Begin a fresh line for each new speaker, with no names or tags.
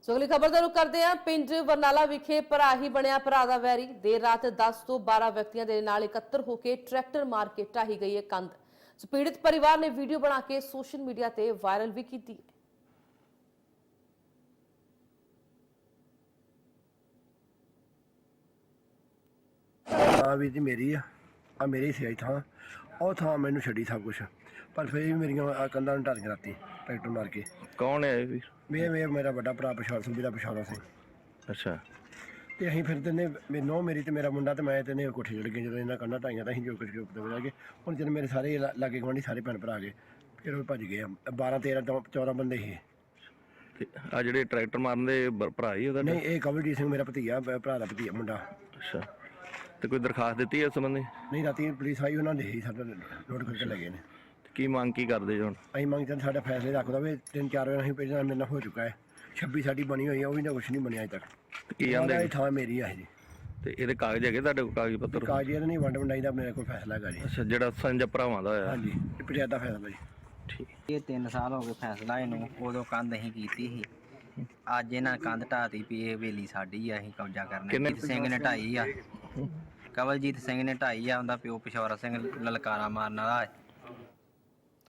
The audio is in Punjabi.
ਸੋ ਅਗਲੀ ਖਬਰ ਦਾ ਰੁਖ ਕਰਦੇ ਹਾਂ। ਪਿੰਡ ਬਰਨਾਲਾ ਵਿਖੇ ਭਰਾ ਹੀ ਬਣਿਆ ਭਰਾ ਦਾ ਵੈਰੀ। ਦੇਰ ਰਾਤ 10 ਤੋਂ 12 ਵਿਅਕਤੀਆਂ ਦੇ ਨਾਲ ਇਕੱਤਰ ਹੋ ਕੇ ਟਰੈਕਟਰ ਮਾਰ ਕੇ ਢਾਹੀ ਗਈ ਹੈ ਕੰਧ। ਸੋ ਪੀੜਿਤ ਪਰਿਵਾਰ ਨੇ ਵੀਡੀਓ ਬਣਾ ਕੇ ਸੋਸ਼ਲ ਮੀਡੀਆ ਤੇ ਵਾਇਰਲ ਵੀ ਕੀਤੀ ਹੈ।
ਵੀ ਜੀ ਮੇਰੀ ਆ ਮੇਰੀ ਸਿਆਈ ਥਾਂ ਉਹ ਥਾਂ ਮੈਨੂੰ ਛੱਡੀ ਸਭ ਕੁਛ, ਪਰ ਫਿਰ ਵੀ ਮੇਰੀਆਂ ਕੰਧਾਂ ਨੂੰ ਢਾਲੀਆਂ ਰਾਤੀ ਟਰੈਕਟਰ ਮਾਰ ਕੇ।
ਕੌਣ ਹੈ ਇਹ ਵੀਰ?
ਮੇਰਾ ਵੱਡਾ ਭਰਾ ਪਛਾਣ ਸਿੰਘ ਦਾ ਪਛਾਣਾ ਸਿੰਘ।
ਅੱਛਾ।
ਤੇ ਅਸੀਂ ਫਿਰ ਤਿੰਨੇ ਮੈਨੂੰ ਮੇਰੀ ਤੇ ਮੇਰਾ ਮੁੰਡਾ ਤੇ ਮੈਂ ਤਿੰਨੇ ਕੋਠੇ ਚੜ੍ਹ ਗਏ। ਜਦੋਂ ਇਹਨਾਂ ਕੰਧਾਂ ਢਾਈਆਂ ਤਾਂ ਅਸੀਂ ਜੋ ਕੁਛ ਦਬਾ ਗਏ। ਹੁਣ ਜਦੋਂ ਮੇਰੇ ਸਾਰੇ ਲਾਗੇ ਗੁਆਂਢੀ ਸਾਰੇ ਭੈਣ ਭਰਾ ਗਏ, ਫਿਰ ਉਹ ਭੱਜ ਗਏ। 12 13 14 ਬੰਦੇ ਸੀ।
ਆ ਜਿਹੜੇ ਟਰੈਕਟਰ ਮਾਰਨ ਦੇ ਭਰਾ ਹੀ ਉਹਦਾ?
ਨਹੀਂ, ਇਹ ਕਵਲਜੀਤ ਸਿੰਘ ਮੇਰਾ ਭਤੀਆ, ਭਰਾ ਦਾ ਭਤੀਆ ਮੁੰਡਾ।
ਅੱਛਾ। ਤੇ ਕੋਈ ਦਰਖਾਸਤ ਦਿੱਤੀ ਇਸ ਸੰਬੰਧੀ?
ਨਹੀਂ, ਰਾਤੀ ਪੁਲਿਸ ਆਈ, ਉਹਨਾਂ ਨੇ ਸਾਡਾ ਨੋਟ ਕਰਕੇ ਲੈ ਗਏ ਨੇ।
ਕੀ ਮੰਗ ਕੀ ਕਰਦੇ ਜੀ ਹੁਣ?
ਅਸੀਂ ਮੰਗਦੇ ਹਾਂ ਸਾਡਾ ਫੈਸਲੇ ਰੱਖ ਦਵੇ। 3-4 ਵਾਰ ਅਸੀਂ ਪਹਿਲਾਂ ਮੇਰੇ ਨਾਲ ਹੋ ਚੁੱਕਾ ਹੈ। 26 ਸਾਡੀ ਬਣੀ ਹੋਈ ਹੈ, ਉਹ ਵੀ ਨਾ ਕੁਛ ਨਹੀਂ ਬਣਿਆ ਅਜੇ ਤੱਕ।
ਕੀ ਆਂਦੇ?
ਥਾਂ ਮੇਰੀ ਆ ਜੀ।
ਤੇ ਇਹਦੇ ਕਾਗਜ਼ ਹੈਗੇ ਤੁਹਾਡੇ ਕੋਲ? ਕਾਗਜ਼ ਪੱਤਰ?
ਕਾਗਜ਼ ਇਹਦਾ ਨਹੀਂ, ਵੰਡ ਵੰਡਾਈ ਦਾ ਮੇਰੇ ਕੋਲ ਫੈਸਲਾ ਹੈਗਾ ਜੀ।
ਅੱਛਾ, ਜਿਹੜਾ ਸੰਜਾ ਭਰਾਵਾਂ ਦਾ ਹੋਇਆ?
ਹਾਂਜੀ, ਇਹ ਪੰਚਾਇਤ ਦਾ ਫੈਸਲਾ ਜੀ।
ਠੀਕ।
ਇਹ 3 ਸਾਲ ਹੋ ਗਏ ਫੈਸਲਾ ਇਹਨੂੰ। ਉਦੋਂ ਕੰਧ ਅਸੀਂ ਕੀਤੀ ਸੀ, ਅੱਜ ਇਹਨਾਂ ਕੰਧ ਢਾਤੀ ਵੀ ਇਹ ਹਵੇਲੀ ਸਾਡੀ ਆ, ਅਸੀਂ ਕਬਜ਼ਾ ਕਰਨਾ। ਜੀਤ ਸਿੰਘ ਨੇ ਢਾਈ ਆ, ਕਵਲਜੀਤ ਸਿੰਘ ਨੇ ਢਾਈ ਆ, ਉਹਦਾ ਪਿਓ ਪਿਸ਼ੌਰਾ ਸਿੰਘ ਲਲਕਾਰਾ ਮਾਰਨ ਵਾਲਾ।